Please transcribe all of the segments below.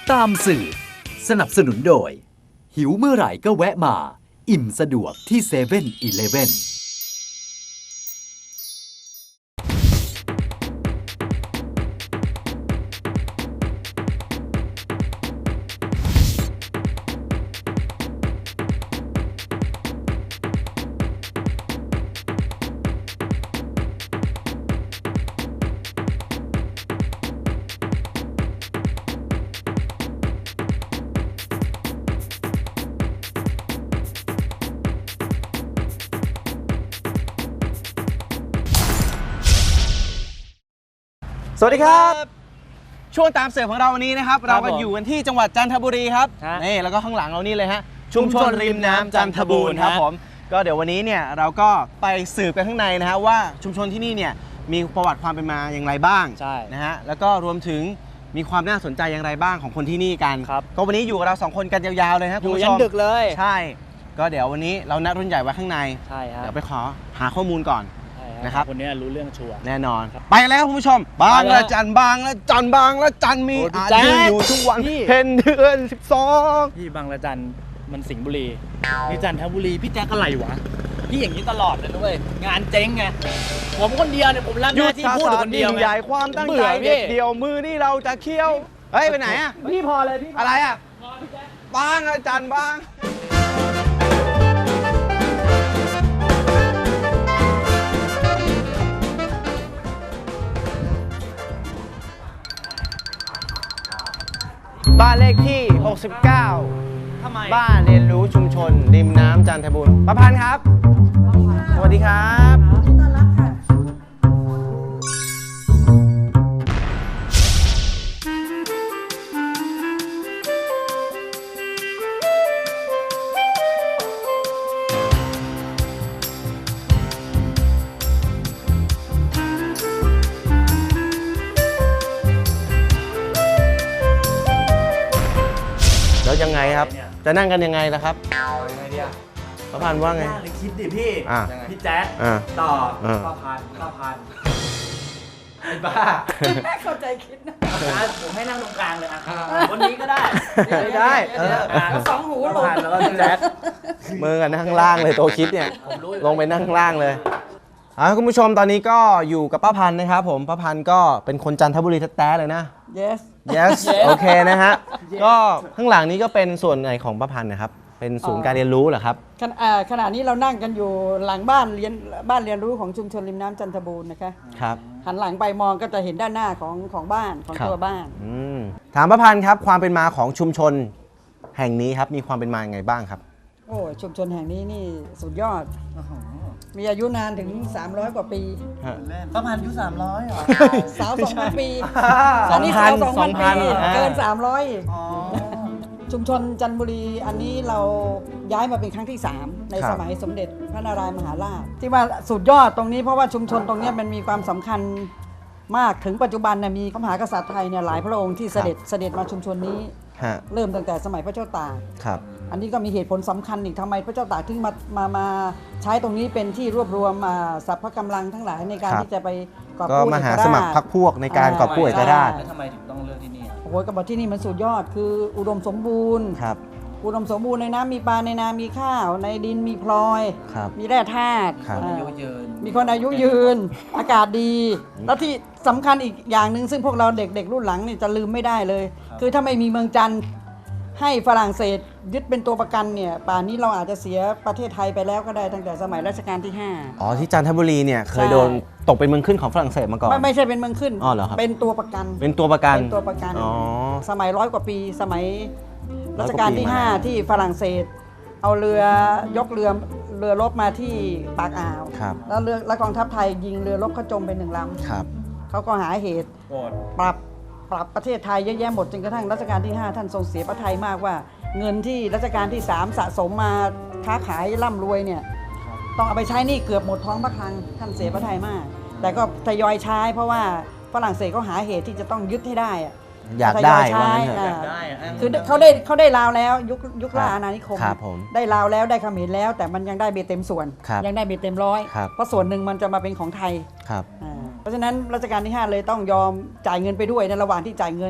ตามสื่อสนับสนุนโดยหิวเมื่อไหร่ก็แวะมาอิ่มสะดวกที่7-11 สวัสดีครับช่วงตามเสิร์ฟของเราวันนี้นะครับเราก็อยู่กันที่จังหวัดจันทบุรีครับนี่แล้วก็ข้างหลังเรานี่เลยฮะชุมชนริมน้ำจันทบูรณ์ครับผมก็เดี๋ยววันนี้เนี่ยเราก็ไปสืบกันข้างในนะฮะว่าชุมชนที่นี่เนี่ยมีประวัติความเป็นมาอย่างไรบ้างนะฮะแล้วก็รวมถึงมีความน่าสนใจอย่างไรบ้างของคนที่นี่กันก็วันนี้อยู่กับเรา2คนกันยาวๆเลยครับคุณผู้ชมอยู่ยันดึกเลยใช่ก็เดี๋ยววันนี้เรานัดรุ่นใหญ่ไว้ข้างในใช่ครับเดี๋ยวไปขอหาข้อมูลก่อนนะครับคนนี้รู้เรื่องชัวร์แน่นอนไปแล้วคุณผู้ชมบางละจันบางละจันบางละจันมีอายุอยู่ทุกวันเพ็ญเดือน12 พี่บางละจันมันสิงห์บุรีนี่จันทบุรีพี่แจ๊กอะไรวะพี่อย่างนี้ตลอดเลยนะเว้ยงานเจ๊งไงผมคนเดียวเนี่ยผมรับหน้าที่พูดคนเดียวใหญ่ความตั้งใจเด็ดเดียวมือนี่เราจะเคี้ยวเฮ้ยไปไหนอ่ะพี่พอเลยพี่อะไรอ่ะบางละจันบางบ้านเลขที่69ทำไมบ้านเรียนรู้ชุมชนริมน้ำจันทบุรีประพันธ์ครับสวัสดีครับต้อนรับค่ะแล้วยังไงครับจะนั่งกันยังไงล่ะครับประพันธ์ว่าไงคิดดิพี่พี่แจ๊คต่อประพันธ์ไอ้บ้าเข้าใจคิดนะผมให้นั่งตรงกลางเลยอ่ะวันนี้ก็ได้ไม่ได้สองหูลงแล้วก็แจ๊คมือกันนั่งล่างเลยตัวคิดเนี่ยลงไปนั่งล่างเลยคุณผู้ชมตอนนี้ก็อยู่กับป้าพันธ์นะครับผมป้าพันธ์ก็เป็นคนจันทบุรีแท้ๆเลยนะ yes โอเคนะฮะก็ข้างหลังนี้ก็เป็นส่วนไหนของป้าพันธ์นะครับเป็นศูนย์การเรียนรู้เหรอครับขณะนี้เรานั่งกันอยู่หลังบ้านเรียนรู้ของชุมชนริมน้ำจันทบูรณ์นะคะครับหันหลังไปมองก็จะเห็นด้านหน้าของบ้านของตัวบ้านถามป้าพันธ์ครับความเป็นมาของชุมชนแห่งนี้ครับมีความเป็นมาอย่างไงบ้างครับโอ้ชุมชนแห่งนี้นี่สุดยอดมีอายุนานถึง300กว่าปีประมาณอายุ300เหรอสาว 2,000 ปีอันนี้สาว 2,000 ปีเกิน300อีกชุมชนจันทบุรีอันนี้เราย้ายมาเป็นครั้งที่3ในสมัยสมเด็จพระนารายณ์มหาราชที่ว่าสุดยอดตรงนี้เพราะว่าชุมชนตรงนี้มันมีความสำคัญมากถึงปัจจุบันเนี่ยมีพระมหากษัตริย์ไทยเนี่ยหลายพระองค์ที่เสด็จมาชุมชนนี้เริ่มตั้งแต่สมัยพระเจ้าตากอันนี้ก็มีเหตุผลสำคัญอีกทำไมพระเจ้าตากถึงมาใช้ตรงนี้เป็นที่รวบรวมสรรพกำลังทั้งหลายในการที่จะไปกอบกู้มหาสมัครพรรคพวกในการกอบกู้เอกราชทำไมถึงต้องเลือกที่นี่โอ้โหกบอกที่นี่มันสุดยอดคืออุดมสมบูรณ์อุดมสมบูรณ์ในน้ำมีปลาในนามีข้าวในดินมีพลอยมีแร่ธาตุมีคนอายุยืนอากาศดีแล้วที่สำคัญอีกอย่างหนึ่งซึ่งพวกเราเด็กๆรุ่นหลังนี่จะลืมไม่ได้เลยคือถ้าไม่มีเมืองจันทร์ให้ฝรั่งเศสยึดเป็นตัวประกันเนี่ยป่านนี้เราอาจจะเสียประเทศไทยไปแล้วก็ได้ตั้งแต่สมัยรัชกาลที่5 ที่จันทบุรีเนี่ยเคยโดนตกเป็นเมืองขึ้นของฝรั่งเศสมาก่อนไม่ใช่เป็นเมืองขึ้นเหรอครับเป็นตัวประกันสมัย100 กว่าปีสมัยรัชกาลที่5ที่ฝรั่งเศสเอาเรือยกเรือรบมาที่ปากอ่าวแล้วกองทัพไทยยิงเรือรบเขาจมไป1 ลำเขาก็หาเหตุปรับประเทศไทยเยอะแยะหมดจนกระทั่งรัชกาลที่5ท่านทรงเสียพระทัยมากว่าเงินที่รัชกาลที่3สะสมมาค้าขายร่ำรวยเนี่ยต้องเอาไปใช้นี่เกือบหมดท้องพระคลังท่านเสียพระทัยมากแต่ก็ทยอยใช้เพราะว่าฝรั่งเศสเขาหาเหตุที่จะต้องยึดให้ได้อยากได้คือเขาได้ลาวแล้วยุคล่าอาณานิคมได้ลาวแล้วได้เขมรแล้วแต่มันยังได้เบ็ดเต็มส่วนยังได้เบ็ดเต็ม100เพราะส่วนหนึ่งมันจะมาเป็นของไทยเพราะฉะนั้นรัชกาลที่5เลยต้องยอมจ่ายเงินไปด้วยในระหว่างที่จ่ายเงิน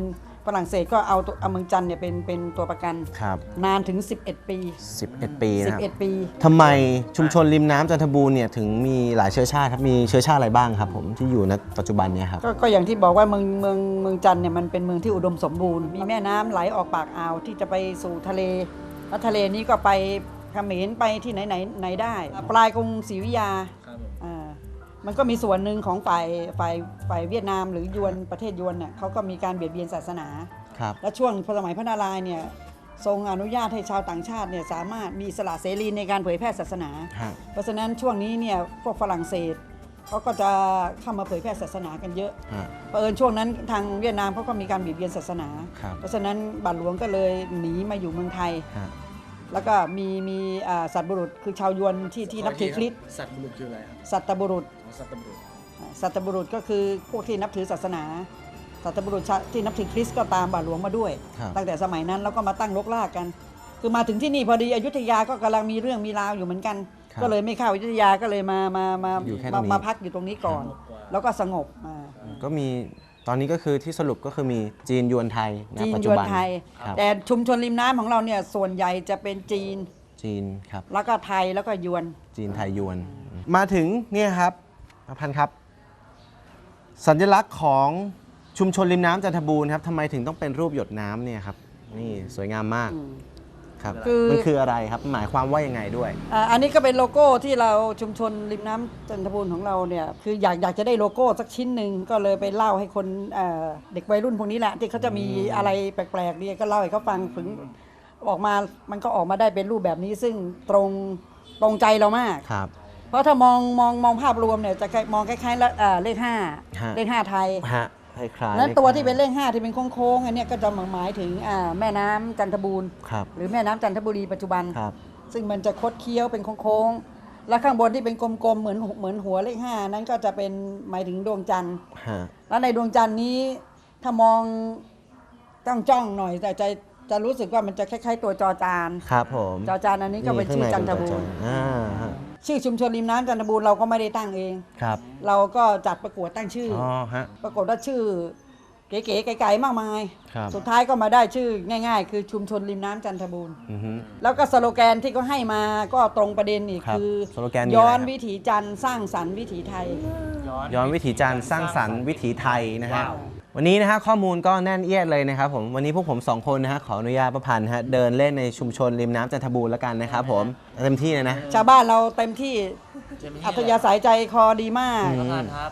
ฝรั่งเศสก็เอาเมืองจันทร์เนี่ยเป็นตัวประกันครับนานถึง 11 ปี 11 ปีนะครับ 11 ปีทำไมชุมชนริมน้ำจันทบูรณ์เนี่ยถึงมีหลายเชื้อชาติครับมีเชื้อชาติอะไรบ้างครับผมที่อยู่ณปัจจุบันเนี่ยครับก็อย่างที่บอกว่าเมืองจันทร์เนี่ยมันเป็นเมืองที่อุดมสมบูรณ์มีแม่น้ำไหลออกปากอ่าวที่จะไปสู่ทะเลแล้วทะเลนี้ก็ไปเขมรไปที่ไหนได้ ปลายกรุงศรีอยุธยามันก็มีส่วนหนึ่งของฝ่ายเวียดนามหรือยวนประเทศยวนเนี่ยเขาก็มีการเบียดเบียนศาสนาครับและช่วงสมัยพระนารายณ์เนี่ยทรงอนุญาตให้ชาวต่างชาติเนี่ยสามารถมีอิสละเสรีในการเผยแพร่ศาสนา เพราะฉะนั้นช่วงนี้เนี่ยพวกฝรั่งเศสเขาก็จะเข้ามาเผยแพร่ศาสนากันเยอะเผอิญช่วงนั้นทางเวียดนามเขาก็มีการเบียดเบียนศาสนา เพราะฉะนั้นบาทหลวงก็เลยหนีมาอยู่เมืองไทย แล้วก็มีสัตบุรุษคือชาวยวนที่นับถือคริสต์สัตว์บุรุษคืออะไรครับสัตบุรุษสัตว์บุรุษสัตบุรุษก็คือพวกที่นับถือศาสนา สัตบุรุษที่นับถือคริสต์ก็ตามบาทหลวงมาด้วย ตั้งแต่สมัยนั้นแล้วก็มาตั้งรกรากกัน คือมาถึงที่นี่พอดีอยุธยาก็กำลังมีเรื่องมีราวอยู่เหมือนกัน ก็เลยไม่เข้าอยุธยาก็เลยมาพักอยู่ตรงนี้ก่อน แล้วก็สงบมาก็มีตอนนี้ก็คือที่สรุปก็คือมีจีนยวนไทยณจีนปัจยจุวนบันไทยครับแต่ชุมชนริมน้ำของเราเนี่ยส่วนใหญ่จะเป็นจีนครับแล้วก็ไทยแล้วก็ยวนจีนไทยยวน มาถึงเนี่ยครับประพันธ์ครับ สัญลักษณ์ของชุมชนริมน้ำจันทบูรณ์ครับทำไมถึงต้องเป็นรูปหยดน้ำเนี่ยครับนี่สวยงามมากครับ มันคืออะไรครับหมายความว่ายังไงด้วยอันนี้ก็เป็นโลโก้ที่เราชุมชนริมน้ำจันทบูรณ์ของเราเนี่ยคืออยากจะได้โลโก้สักชิ้นหนึ่งก็เลยไปเล่าให้คนเด็กวัยรุ่นพวกนี้แหละที่เขาจะมีอะไรแปลกๆดีก็เล่าให้เขาฟังถึงออกมามันก็ออกมาได้เป็นรูปแบบนี้ซึ่งตรงใจเรามากครับเพราะถ้ามองภาพรวมเนี่ยจะมองคล้ายๆเลข5เลข5ไทยฮะคล้ายๆนั้นตัวที่เป็นเลข5ที่เป็นโค้งๆอันเนี้ยก็จะหมายถึงแม่น้ำจันทบูรณ์ครับหรือแม่น้ำจันทบุรีปัจจุบันครับซึ่งมันจะคดเคี้ยวเป็นโค้งๆ แล้วข้างบนที่เป็นกลมๆ เหมือนหัวเลข5นั้นก็จะเป็นหมายถึงดวงจันทร์ฮะแล้วในดวงจันทร์นี้ถ้ามองจ้องหน่อยแต่จะรู้สึกว่ามันจะคล้ายๆตัวจอจานครับผมจอจานอันนี้ก็เป็นชื่อจันทบูรณ์ฮะชื่อชุมชนริมน้ำจันทบูรณ์เราก็ไม่ได้ตั้งเองครับเราก็จัดประกวดตั้งชื่ออ๋อฮะปรากฏว่าชื่อเก๋ๆไกลๆมากมายครับสุดท้ายก็มาได้ชื่อง่ายๆ คือชุมชนริมน้ำจันทบูรณ์อือฮึแล้วก็สโลแกนที่เขาให้มาก็ตรงประเด็นอีกครับคือสโลแกนมีอะไรย้อนครับวิถีจันทร์สร้างสรรค์วิถีไทยย้อนวิถีจันทร์สร้างสรรค์วิถีไทยนะฮะวันนี้นะฮะข้อมูลก็แน่นเอียดเลยนะครับผมวันนี้พวกผม2คนนะฮะขออนุญาตประพันธ์ฮะเดินเล่นในชุมชนริมน้ำจันทบูรณ์แล้วกันนะครับผมเต็มที่เลยนะชาวบ้านเราเต็มที่อัธยาศัยใจคอดีมากประธานครับ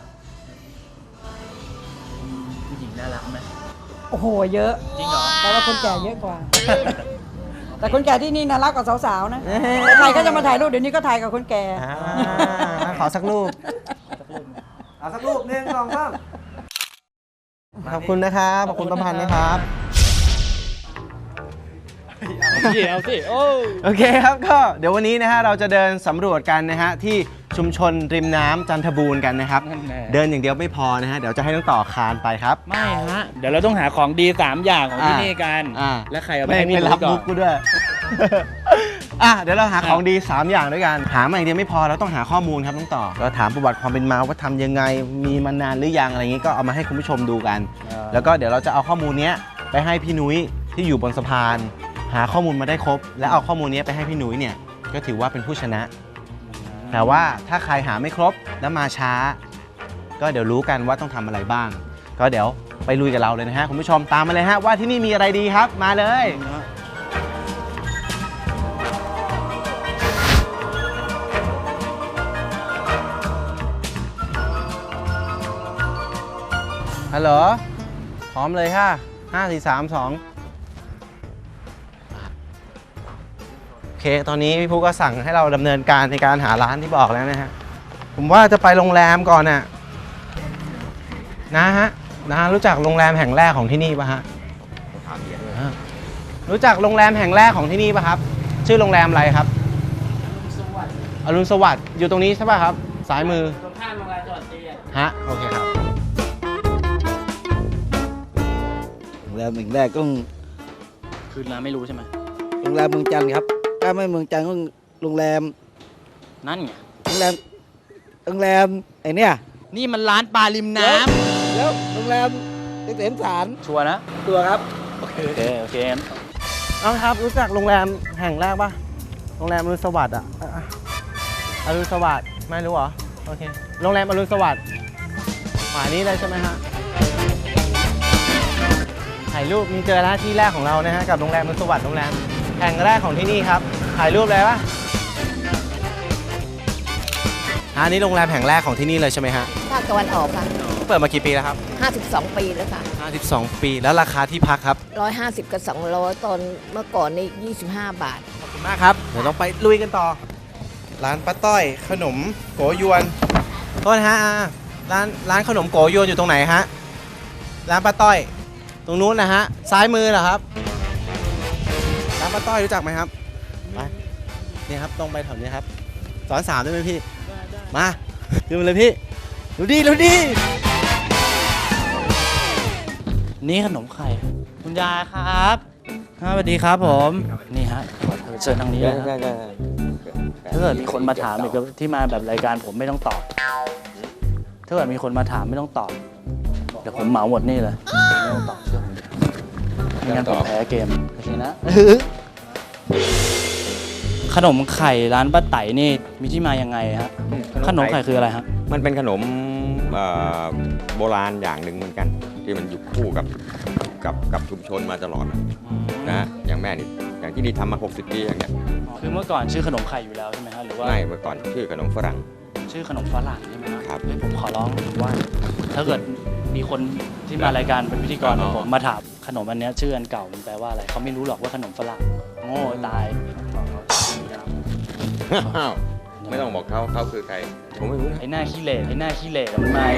ผู้หญิงน่ารักไหมโอ้โหเยอะจริงเหรอแต่ว่าคนแก่เยอะกว่า แต่คนแก่ที่นี่น่ารักกว่าสาวๆนะแต่ใครก็จะมาถ่ายรูปเดี๋ยวนี้ก็ถ่ายกับคนแก่ขอสักรูปเอาสักรูป1 2 3ขอบคุณนะครับขอบคุณประพันธ์นะครับเอาสิโอ้โอเคครับก็เดี๋ยววันนี้นะฮะเราจะเดินสำรวจกันนะฮะที่ชุมชนริมน้ำจันทบูรณ์กันนะครับ เดินอย่างเดียวไม่พอนะฮะเดี๋ยวจะให้น้องต่อคานไปครับไม่ฮะ เดี๋ยวเราต้องหาของดี3อย่างของที่นี่กัน และใครเอาไปให้พี่ไม่นุ้รับยก่อมุนกกูด้วย เดี๋ยวเราหาของดี 3 อย่างด้วยกัน หามาอย่างเดียวไม่พอเราต้องหาข้อมูลครับน้องต่อเราถามประวัติความเป็นมาว่าทำยังไงมีมานานหรือยังอะไรอย่างนี้ก็เอามาให้คุณผู้ชมดูกัน แล้วก็เดี๋ยวเราจะเอาข้อมูลเนี้ยไปให้พี่นุ้ยที่อยู่บนสะพาน หาข้อมูลมาได้ครบ แล้วเอาข้อมูลนี้ไปให้พี่นุ้ยเนี่ยก็ถือว่าเป็นผู้ชนะ แต่ว่าถ้าใครหาไม่ครบแล้วมาช้า ก็เดี๋ยวรู้กันว่าต้องทำอะไรบ้าง ก็เดี๋ยวไปลุยกับเราเลยนะฮะคุณผู้ชมตามมาเลยฮะว่าที่นี่มีอะไรดีครับมาเลยฮัลโหลพร้อมเลยค่ะ5 4 3 2โอเคตอนนี้พี่ภูก็สั่งให้เราดำเนินการในการหาร้านที่บอกแล้วนะฮะผมว่าจะไปโรงแรมก่อนน่ะนะฮะรู้จักโรงแรมแห่งแรกของที่นี่ป่ะฮะรู้จักโรงแรมแห่งแรกของที่นี่ป่ะครับชื่อโรงแรมอะไรครับอรุณสวัสดิ์อยู่ตรงนี้ใช่ป่ะครับซ้ายมือตรงข้ามโรงแรมจังหวัดตีฮะโอเคครับโรงแรมแห่งแรกก็คืนร้านไม่รู้ใช่ไหมโรงแรมเมืองจันทร์ครับถ้าไม่เมืองจันทร์ก็โรงแรมนั่นไงโรงแรมไอ้เนี่ยนี่มันร้านปลาริมน้แล้วโรงแรมเกษมสารชัวร์นะตัวครับโอเคโอเคงั้นน้องครับรู้จักโรงแรมแห่งแรกปะโรงแรมอรุณสวัสดิ์อรุณสวัสดิ์ไม่รู้เหรอโอเคโรงแรมอรุณสวัสดิ์ขวานี้เลยใช่ไหมฮะถ่ายรูปมีเจอแล้วที่แรกของเรานะฮะกับโรงแรมอรุณสวัสดิ์โรงแรมแห่งแรกของที่นี่ครับถ่ายรูปเลยปะอันนี้โรงแรมแห่งแรกของที่นี่เลยใช่ไหมฮะภาคตะวันออกค่ะเปิดมากี่ปีแล้วครั 52 ปีแล้วค่ะบ52 ปีแล้วราคาที่พักครับ 150 กับ 200 ตอนเมื่อก่อนนี่25 บาทขอบคุณมากครับ เดี๋ยวต้องไปลุยกันต่อ ร้านป้าต้อยขนมโกยวนโทษนะฮะร้านขนมโกยวนอยู่ตรงไหนฮะ ร้านป้าต้อย ตรงนู้นนะฮะ ซ้ายมือเหรอครับ ร้านป้าต้อยรู้จักไหมครับไปนี่ครับตรงไปแถวนี้ครับสอน3ได้ไหมพี่ มาขึ้นมาเลยพี่ ดูดินี่ขนมไข่คุณยายครับสวัสดีครับผมนี่ฮะเชิญทางนี้เลยครับถ้าเกิดมีคนมาถามอีกที่มาแบบรายการผมไม่ต้องตอบถ้าเกิดมีคนมาถามไม่ต้องตอบเดี๋ยวผมเหมาหมดนี่เลยไม่ต้องตอบเชื่อผมไม่งั้นผมแพ้เกมโอเคนะ ขนมไข่ร้านป้าไต่นี่มีที่มายังไงฮะขนมไข่คืออะไรฮะมันเป็นขนมโบราณอย่างหนึ่งเหมือนกัน ที่มันอยู่คู่กับชุมชนมาตลอดนะอย่างแม่นี่อย่างที่นี่ทำมา60 ปีอย่างเงี้ยคือเมื่อก่อนชื่อขนมไข่อยู่แล้วใช่ไหมฮะหรือว่าไม่เมื่อก่อนชื่อขนมฝรั่งชื่อขนมฝรั่งใช่ไหมฮะครับเฮ้ยผมขอร้องว่า ถ้าเกิดมีคนที่มารายการเป็นพิธีกรของผมมาถามขนมอันเนี้ยชื่ออันเก่ามันแปลว่าอะไรเขาไม่รู้หรอกว่าขนมฝรั่งโง่ตายไม่ต้องบอกเขาคือใครผมไม่รู้นะไอ้หน้าขี้เหร่มันมา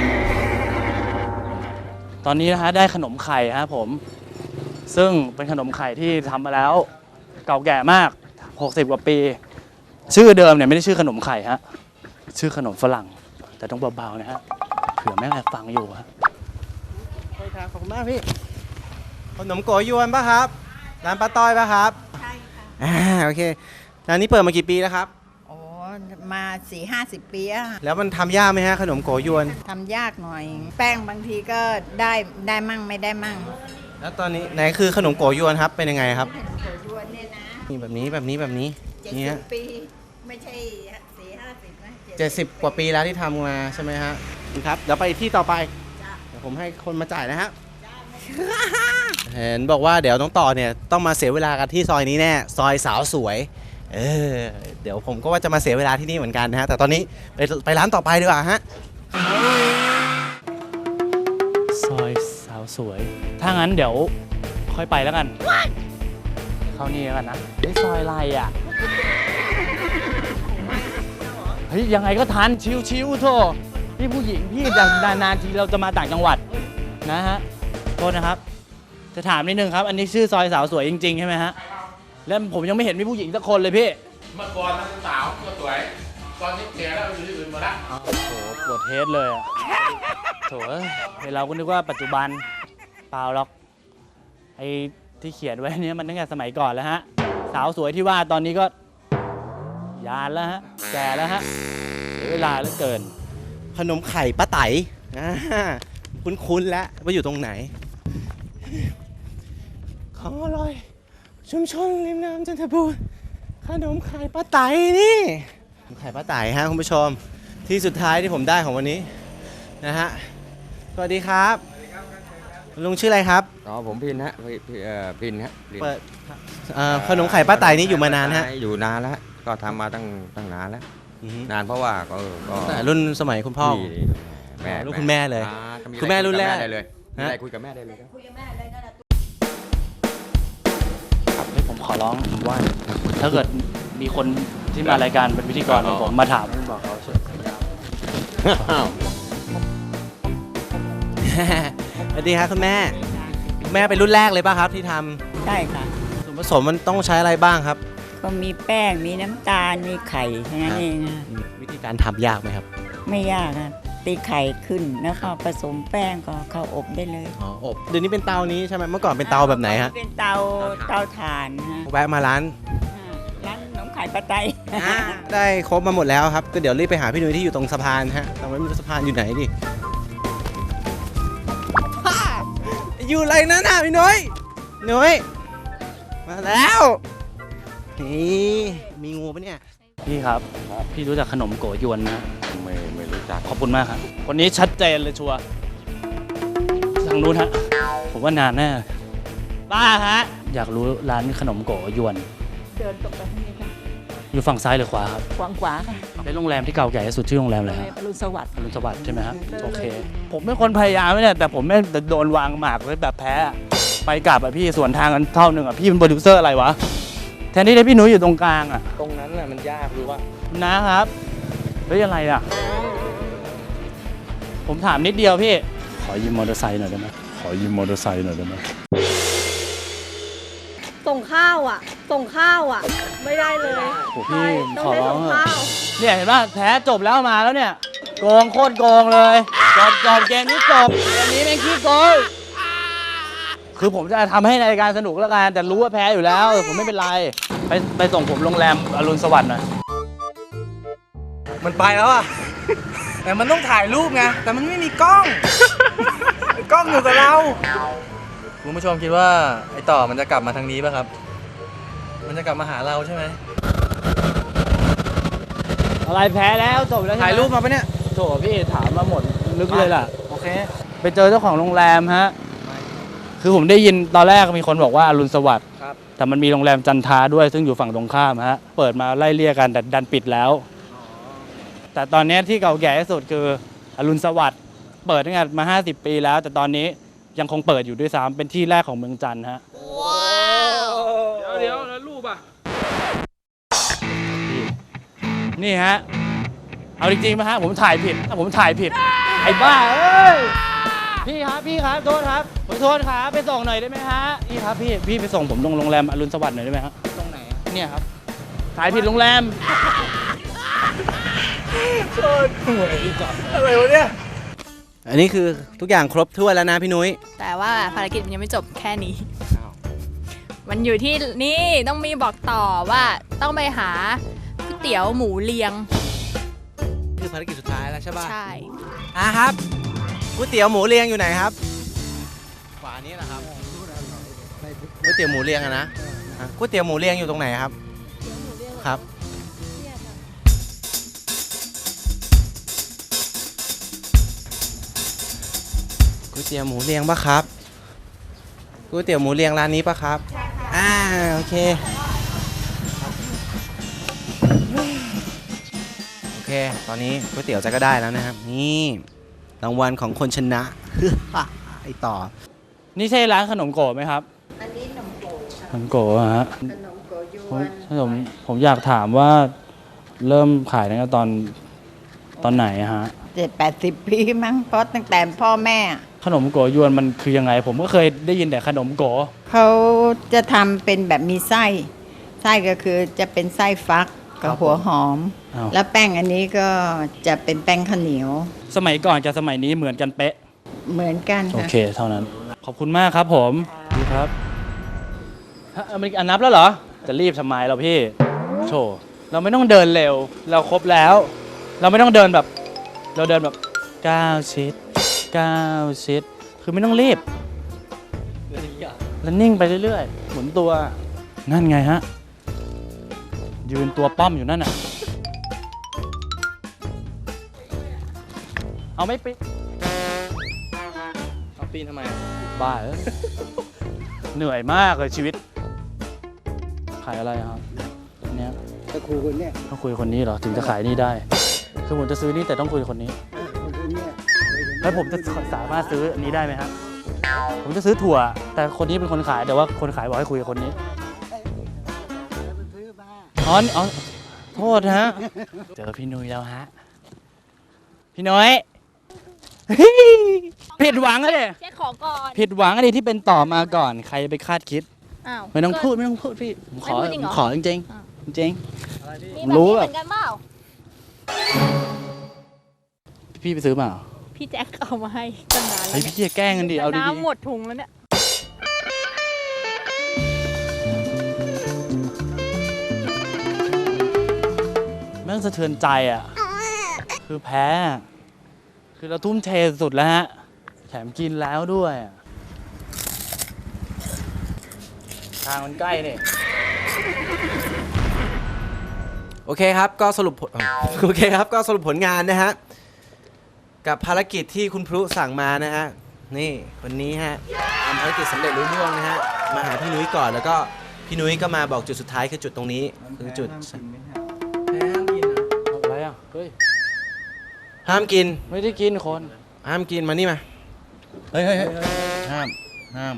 ตอนนี้นะฮะได้ขนมไข่ฮะผมซึ่งเป็นขนมไข่ที่ทำมาแล้วเก่าแก่มาก60 กว่าปี ชื่อเดิมเนี่ยไม่ได้ชื่อขนมไข่ฮะชื่อขนมฝรั่งแต่ต้องเบาๆนะฮะเผื่อแม่งแอบฟังอยู่ฮะขอบคุณมากพี่ ขนมโกยวนป่ะครับ ร้านป้าต้อยป่ะครับใช่ค่ะโอเค ร้านนี้เปิดมากี่ปีแล้วครับโอ้มา40-50 ปีอะแล้วมันทำยากไหมฮะขนมโกยวนทำยากหน่อย แป้งบางทีก็ได้มั่งไม่ได้มั่งแล้วตอนนี้ไหนคือขนมโกยวนครับ เป็นยังไงครับขนมโกยวนเนี่ยนะนี่แบบนี้นี่ฮะ 70 ปี ไม่ใช่40-50 นะ 70 กว่าปีแล้วที่ทำมาใช่ไหมฮะครับ เดี๋ยวไปที่ต่อไป เดี๋ยวผมให้คนมาจ่ายนะครับ เห็นบอกว่าเดี๋ยวน้องต่อเนี่ยต้องมาเสียเวลากันที่ซอยนี้แน่ ซอยสาวสวย เดี๋ยวผมก็ว่าจะมาเสียเวลาที่นี่เหมือนกันนะฮะ แต่ตอนนี้ไปร้านต่อไปดีกว่าฮะซอยสาวสวย ถ้างั้นเดี๋ยวค่อยไปแล้วกัน เข้านี่แล้วกันนะเฮ้ยซอยอะไรอ่ะ เฮ้ยยังไงก็ทันชิวๆโธ่พี่ผู้หญิงพี่นานๆทีเราจะมาต่างจังหวัดนะฮะโทษนะครับ จะถามนิดนึงครับ อันนี้ชื่อซอยสาวสวยจริงๆใช่ไหมฮะ แล้วผมยังไม่เห็นมีผู้หญิงสักคนเลยพี่เมื่อก่อนมันสาวก็สวย ตอนนี้แก่แล้วอยู่ที่อื่นหมดละโอ้โหปวดเทสเลยอะโถเอ้ยเราก็นึกว่าปัจจุบันเปล่าหรอกไอ้ที่เขียนไว้เนี้ยมันตั้งแต่สมัยก่อนแล้วฮะ สาวสวยที่ว่าตอนนี้ก็ยานแล้วฮะ แก่แล้วฮะเสียเวลาเหลือเกินขนมไข่ป้าไต๋คุ้นๆแล้วว่าอยู่ตรงไหน ขออร่อย ชุมชนริมน้ำจันทบูรณ์ขนมไข่ป้าไต๋นี่ขนมไข่ป้าไต๋ฮะคุณผู้ชม ที่สุดท้ายที่ผมได้ของวันนี้นะฮะ สวัสดีครับลุงชื่ออะไรครับอ๋อผมพินฮะพินฮะพินเปิดขนมไข่ป้าไต๋นี่อยู่มานานฮะอยู่นานแล้วฮะก็ทำมาตั้งนานแล้วอือฮึนานเพราะว่าก็แต่รุ่นสมัยคุณพ่อพี่แม่ลูกคุณแม่เลยก็มีคุณแม่รุ่นแรกคุยบได้เลยมีฮะอะไรคุยกับแม่ได้เลยครับเฮ้ยผมขอร้องผมว่า ถ้าเกิดมีคนที่มารายการเป็นพิธีกรของผมมาถามบอกเขาช่วยสวัสดีครับคุณแม่คุณแม่เป็นรุ่นแรกเลยป่ะครับที่ทใช่ค่ะำส่วนผสมมันต้องใช้อะไรบ้างครับก็มีแป้ง มีน้ำตาล มีไข่แค่นั้นเองอะวิธีการทำยากไหมครับไม่ยากอะตีไข่ขึ้น แล้วก็ผสมแป้งก็เข้าอบได้เลยอ๋ออบเดี๋ยวนี้เป็นเตานี้ใช่ไหมเมื่อก่อนเป็นเตาแบบไหนฮะเป็นเตาถ่านฮะแวะมาร้านร้านขนมไข่ปลาไตได้ครบมาหมดแล้วครับก็เดี๋ยวรีบไปหาพี่นุ้ยที่อยู่ตรงสะพานฮะแต่ไม่รู้สะพานอยู่ไหนดิอยู่อะไรนั่นน่ะพี่นุ้ยมาแล้วนี่มีงูปะเนี่ยพี่ครับ พี่รู้จักขนมโกยวนนะไม่รู้จักขอบคุณมากครับคนนี้ชัดเจนเลยชัวร์ทางนู้นฮะผมว่านานแน่ป้าฮะอยากรู้ร้านขนมโกยวนเดินตรงไปทางนี้ค่ะอยู่ฝั่งซ้ายหรือขวาครับขวาค่ะเป็นโรงแรมที่เก่าแก่ที่สุดชื่อโรงแรมอะไรครับอรุณสวัสดิ์อรุณสวัสดิ์ใช่ไหมครับโอเค ผมเป็นคนพยายามเนี่ยแต่ผมไม่โดนวางหมากเลยแบบแพ้อะไปกลับอะพี่ส่วนทางกันเท่านึงอะพี่เป็นโปรดิวเซอร์อะไรวะแทนที่ได้พี่นุ้ยอยู่ตรงกลางอะตรงนั้นน่ะมันยากรู้ว่านะครับเฮ้ยอะไรอะผมถามนิดเดียวพี่ขอยืมมอเตอร์ไซค์หน่อยได้ไหมขอยืมมอเตอร์ไซค์หน่อยได้ไหมส่งข้าวอ่ะ ไม่ได้เลยโอ้พี่ต้ของอได้ร้อส่งงเถข้าอะวเนี่ยเห็นป่ะแพ้จบแล้วมาแล้วเนี่ยโกงโคตรโกงเลยจบเกมนี้จบอันนี้แม่งขี้โกงคือผมจะทำให้รายการสนุกแล้วกันแต่รู้ว่าแพ้อยู่แล้วผมไม่เป็นไรไปส่งผมโรงแรมอรุณสวัสดิ์หน่อยมันไปแล้วอ่ะ แต่มันต้องถ่ายรูปไงแต่มันไม่มีกล้อง กล้องอยู่กับเราคุณผู้ชมคิดว่าไอ้ต่อมันจะกลับมาทางนี้ป่ะครับ มันจะกลับมาหาเราใช่ไหมอะไรแพ้แล้วจบแล้วใช่ไหมถ่ายรูปมาปะเนี่ยโถพี่ถามมาหมดลึกเลยล่ะโอเคไปเจอเจ้าของโรงแรมฮะคือผมได้ยินตอนแรกมีคนบอกว่าอรุณสวัสดิ์ครับแต่มันมีโรงแรมจันทราด้วยซึ่งอยู่ฝั่งตรงข้ามฮะเปิดมาไล่เลี่ยกันแต่ดันปิดแล้วแต่ตอนนี้ที่เก่าแก่ที่สุดคืออรุณสวัสดิ์เปิดตั้งแต่มา50 ปีแล้ว แต่ตอนนี้ยังคงเปิดอยู่ด้วยซ้ำเป็นที่แรกของเมืองจันทร์ฮะเดี๋ยวแล้วรูปอ่ะนี่ฮะเอาจริงๆไหมฮะผมถ่ายผิดไอ้บ้าเอ้ยพี่ครับโทษครับขอโทษครับไปส่งหน่อยได้ไหมฮะพี่ครับพี่ไปส่งผมลงโรงแรมอรุณสวัสดิ์หน่อยได้ไหมฮะตรงไหนเนี่ยครับถ่ายผิดโรงแรมอะไรวะเนี่ย อันนี้คือทุกอย่างครบถ้วนแล้วนะพี่นุ้ยแต่ว่าภารกิจยังไม่จบแค่นี้ มันอยู่ที่นี่ต้องมีบอกต่อว่าต้องไปหาก๋วยเตี๋ยวหมูเลียงคือภารกิจสุดท้ายแล้วใช่ป่ะใช่ครับก๋วยเตี๋ยวหมูเรียงอยู่ไหนครับขวานี้แหละครับก๋วยเตี๋ยวหมูเรียงอะนะก๋วยเตี๋ยวหมูเรียงอยู่ตรงไหนครับครับก๋วยเตี๋ยวหมูเรียงปะครับก๋วยเตี๋ยวหมูเรียงร้านนี้ปะครับโอเคตอนนี้ก๋วยเตี๋ยวจะก็ได้แล้วนะครับนี่รางวัลของคนชนะ ไอต่อนี่ใช่ร้านขนมโกะไหมครับอันนี้ขนมโกขนมโกะฮะขนมโกยวนผมอยากถามว่าเริ่มขายตั้งแต่ตอนไหนฮะ 70 ปีมั้งเพราะตั้งแต่พ่อแม่ขนมโกยวนมันคือยังไง ผมก็เคยได้ยินแต่ขนมโกเขาจะทำเป็นแบบมีไส้ก็คือจะเป็นไส้ฟักกับหัวหอมอ้าวแล้วแป้งอันนี้ก็จะเป็นแป้งข้าวเหนียวสมัยก่อนกับสมัยนี้เหมือนกันเป๊ะเหมือนกันโอค่ะเค เท่านั้น ขอบคุณมากครับผมดีครับฮะอเมริกันนับแล้วเหรอ จะรีบทำไมเราพี่โชเราไม่ต้องเดินเร็ว เราครบแล้ว เราไม่ต้องเดินแบบ เราเดินแบบ9 ชิด 9 ชิด คือไม่ต้องรีบแล้วนิ่งไปเรื่อยๆ หมุนตัว นั่นไงฮะ ยืนตัวป้อมอยู่นั่นน่ะ เอาไม่ปิดเอาปีนทำไมบ้าเอ้ย เหนื่อยมากเลยชีวิต ขายอะไรครับอันเนี้ยตะครูคนเนี้ยต้องคุยคนนี้เหรอ ถึงจะขายนี่ได้ คือผมจะซื้อนี่แต่ต้องคุยคนนี้คนเนี้ยแล้วผมจะสามารถซื้ออันนี้ได้ไหมครับ ผมจะซื้อถั่ว แต่คนนี้เป็นคนขายแต่ว่าคนขายบอกให้คุยกับคนนี้อ๋อโทษฮะ เจอพี่นุ้ยแล้วฮะ พี่นุ้ย ผิดหวังอะดิเช็คของก่อนผิดหวังอะดิที่เป็นต่อมาก่อน ใครไปคาดคิดอ้าวไม่ต้องพูดพี่ผมขอไม่พูดจริงเหรอผมขอจริงอ้าวๆจริงมีแบบรู้นี้แบเหบมือนกันเปล่าๆพี่ไปซื้อมาเหรอพี่แจ็คเอามาให้ตั้งนานแล้เฮ้ยว พี่จะแกล้งกันดิเอาดีน้ำหมดถุงแล้วเนี่ยๆแม่งสะเทือนใจอ่ะ คือแพ้ คือเราทุ่มเทสุดแล้วฮะ แถมกินแล้วด้วยอะทางมันใกล้นี่โอเคครับก็สรุปผล โอเคครับก็สรุปผลงานนะฮะกับภารกิจที่คุณพลุสั่งมานะฮะนี่วันนี้ฮะทำภารกิจสำเร็จรุ่ร่วงนะฮะมาหาพี่นุ้ยก่อนแล้วก็พี่นุ้ยก็มาบอกจุดสุดท้ายคือจุดตรงนี้คือจุดแพ้ห้ามกินนะอะไรอ่ะ เฮ้ยห้ามกินไม่ได้กินคนห้ามกินมานี่มาเฮ้ยห้าม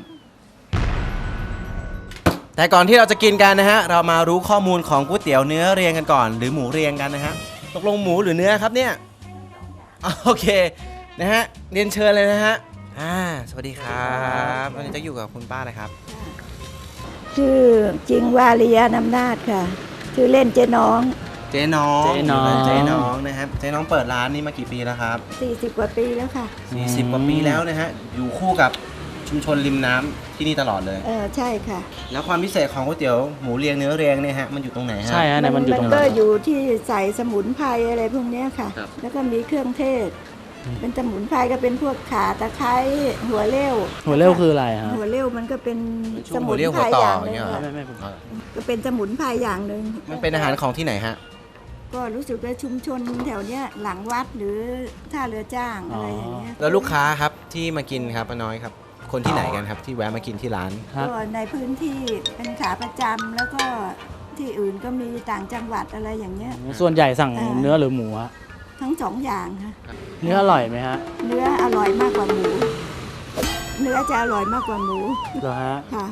แต่ก่อนที่เราจะกินกันนะฮะเรามารู้ข้อมูลของก๋วยเตี๋ยวเนื้อเรียงกันก่อนหรือหมูเรียงกันนะฮะตกลงหมูหรือเนื้อครับเนี่ยโอเคนะฮะเรียนเชิญเลยนะฮะสวัสดีครับวันนี้จะอยู่กับคุณป้าเลยครับชื่อจริงวาริยานำนาจค่ะ ชื่อเล่นเจ๊น้องเจ๊น้องเจ๊น้องเจ๊น้องนะครับเจ๊น้องเปิดร้านนี้มากี่ปีแล้วครับ 40 กว่าปีแล้วค่ะ 40 กว่าปีแล้วนะฮะอยู่คู่กับชุมชนริมน้ำที่นี่ตลอดเลยใช่ค่ะแล้วความพิเศษของก๋วยเตี๋ยวหมูเรียงเนื้อเรียงเนี่ยฮะมันอยู่ตรงไหนฮะใช่ฮะเนี่ยมันอยู่ตรงไหนก็อยู่ที่ใส่สมุนไพรอะไรพวกเนี้ยค่ะครับแล้วก็มีเครื่องเทศ เป็นสมุนไพรก็เป็นพวกข่าตะไคร้หัวเลี้ยวหัวเร็วคืออะไรฮะหัวเลี้ยวมันก็เป็นช่สวงหัมุวน เรียวไพหัรวต่ออย่างหอย่างนึ่งเงี้ยเหรอไม่ผมก็เป็นสมุนไพรอย่างหนึ่งมันเป็นอาหารของที่ไหนฮะก็รู้สึกว่าชุมชนแถวเนี้ยหลังวัดหรือท่าเรือจ้างอะไรอย่างเงี้ยแล้วลูกค้าครับที่มากินครับป้าน้อยครับ คนที่ไหนกันครับที่แวะมากินที่ร้านฮะก็ในพื้นที่เป็นขาประจำแล้วก็ที่อื่นก็มีต่างจังหวัดอะไรอย่างเงี้ยส่วนใหญ่สั่งเนื้อหรือหมูฮะทั้งสองอย่างค่ะเนื้ออร่อยไหมฮะเนื้ออร่อยมากกว่าหมู เนื้อจะอร่อยมากกว่าหมูเหรอฮะค่ะ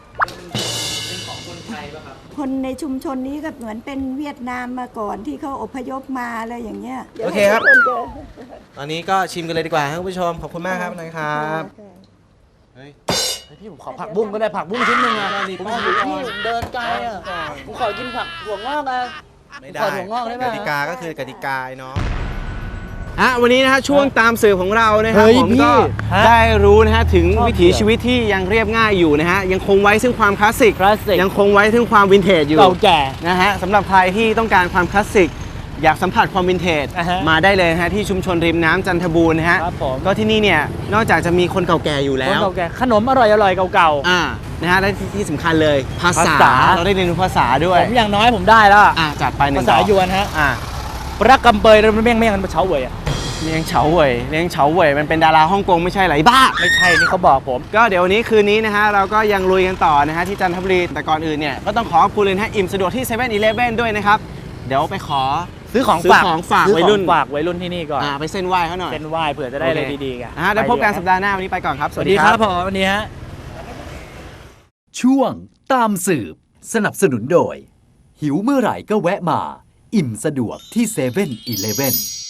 คนในชุมชนนี้ก็เหมือนเป็นเวียดนามมาก่อนที่เขาอพยพมาอะไรอย่างเงี้ยโอเคครับดี๋ยวให้ทุกนเจอตอนนี้ก็ชิมกันเลยดีกว่าครับคุณผู้ชมขอบคุณมากครับป้าน้อยครับเฮ้ยพี่ผมขอผักบุ้งก็ได้ผักบุ้งชิ้นหนึ่งอ่ะได้ดิผมขอพี่เดินไกลอ่ะผมขอกินผักถั่วงอกอ่ะไม่ได้ขอถั่วงอกได้ไหมกติกาก็คือกติกาไอ้น้องวันนี้นะฮะช่วงตามสื่อของเรานะครับเฮ้ยผมพี่ก็ฮะได้รู้นะฮะถึงชอบวิถีชีวิตที่ยังเรียบง่ายอยู่นะฮะยังคงไว้ซึ่งความคลาสสิกคลาสสิกยังคงไว้ซึ่งความวินเทจอยู่เก่าแก่นะฮะสำหรับใครที่ต้องการความคลาสสิกอยากสัมผัสความวินเทจอ่าฮะมาได้เลยนะฮะที่ชุมชนริมน้ำจันทบูรณ์นะฮะครับผมก็ที่นี่เนี่ยนอกจากจะมีคนเก่าแก่อยู่คนแล้วเก่าแก่ขนมอร่อยเก่านะฮะและที่สำคัญเลยภาษาภาษาเราได้เรียนรู้ภาษาด้วๆยผมอย่างน้อยผมได้แล้วอะจัดไปหนึ่ภาง ษาดอกยวนฮะอ่ารักกำเปยแล้วเมี่ยงกันเฉาเว่ยอ่ะเลี้ยงเฉาเว่ยเลี้ยงเฉาเว่ยมันเป็นดาราฮ่องกงไม่ใช่เหรอไอ้บ้าไม่ใช่นี่เขาบอกผมก็เดี๋ยววันนี้คืนนี้นะฮะเราก็ยังลุยกันต่อนะฮะที่จันทบุรีแต่ก่อนอื่นเนี่ยก็ต้องขอขอบคุณเลยนะฮะอิ่มสะดวกที่7 e เ e ่ e อด้วยนะครับเดี๋ยวไปขอซื้อของซื้อฝากของฝากซื้อวัยรุ่นของฝากวัยรุ่นที่นี่ก่อนไปเส้นไหว้เขาหน่อยเป็นไหว้เผื่อจะได้อะไรดีๆกันนะฮะแล้วพบกันสัปดาห์หน้าวันนี้ไปก่อนครับสวัสดีครับผมวันนี้ฮะช่วงตามสืบสนับสนุนโดย หิวเมื่อไหร่ก็แวะมา อิ่มสะดวกที่7 e เ e ่ e